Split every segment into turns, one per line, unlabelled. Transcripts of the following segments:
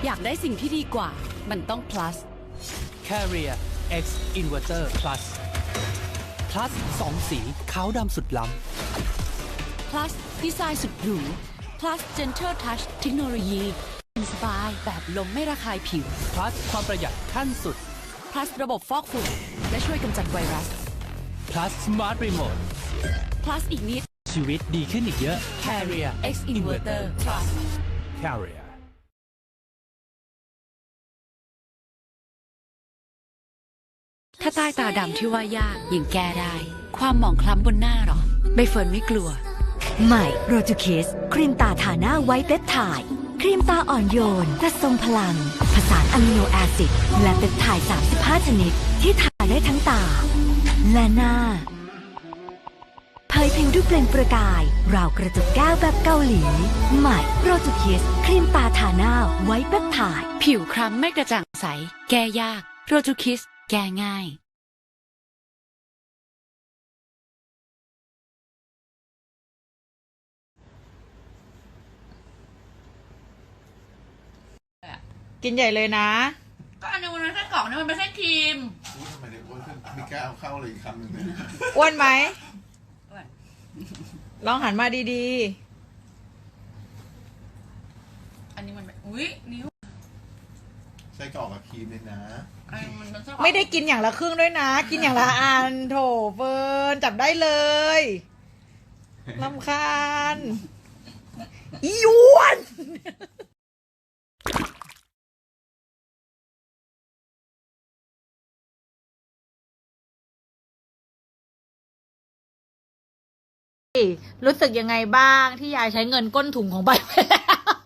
อยากได้สิ่งที่ดีกว่ามันต้อง plus
Carrier X Inverter Plus Plus 2 สีขาวดำสุดล้
plus ดีไซน์สุดหรู plus gentle touch เทคโนโลยีสบายแบบลมไม่ระคายผิว
ำ Plus ความประหยัดขั้นสุด
plus ระบบฟอกฝุ่นและช่วยกำจัดไวรัส
Plus Smart Remote
plus อีกนิด
ชีวิตดีขึ้นอีกเยอะ
Carrier X Inverter Plus
Carrier
ถ้าใต้ตาดำที่ว่ายากยังแก้ได้ ความหมองคล้ำบนหน้าหรอใบเฟิร์นไม่กลัว
ใหม่โรจูคิสครีมตาทาหน้าไวท์เปปไทด์ครีมตาอ่อนโยนแต่ทรงพลัง ผสานอะมิโนแอซิดและเปปไทด์35 ชนิด ที่ทาได้ทั้งตา และหน้าเผยผิวด้วยเปล่งประกาย ราวกระจกแก้วแบบเกาหลี ใหม่โรจูคิสครีมตาทาหน้าไวท์เปปไทด์
ผิวคล้ำไม่กระจ่างใส แก้ยากโรจูคิสแก้ง่าย
กินใหญ่เลยนะ
ก็อันนี้มันไม่ใช่กล่องนี่มันไม่ใช่ครีม
ทำไมเด็กอ้วนขึ้นมีกล้าเอาเข้าเลยอีกคำหนึ่งเนี่ย
อ้วนไหม
อ้วน
ลองหันมาดี
อันนี้มันอุ้ยนิ้ว
ใช้กรอกกับครีมเลยนะ
อันนี้มันใช่
ๆ ไม่ได้กินอย่างละครึ่งด้วยนะ กินอย่างละอันโถเฟิร์นจับได้เลยลำคาญอีอ้วน รู้สึกยังไงบ้างที่ยายใช้เงินก้นถุงของใบไปแล้ว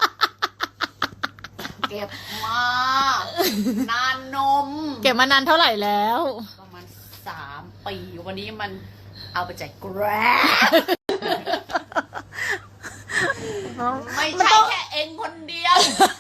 เก็บมานานนม
เก็บมานานเท่าไหร่แล้ว
ประมาณ3 ปีวันนี้มันเอาไปจ่ายแกร็บไม่ใช่แค่เองคนเดียว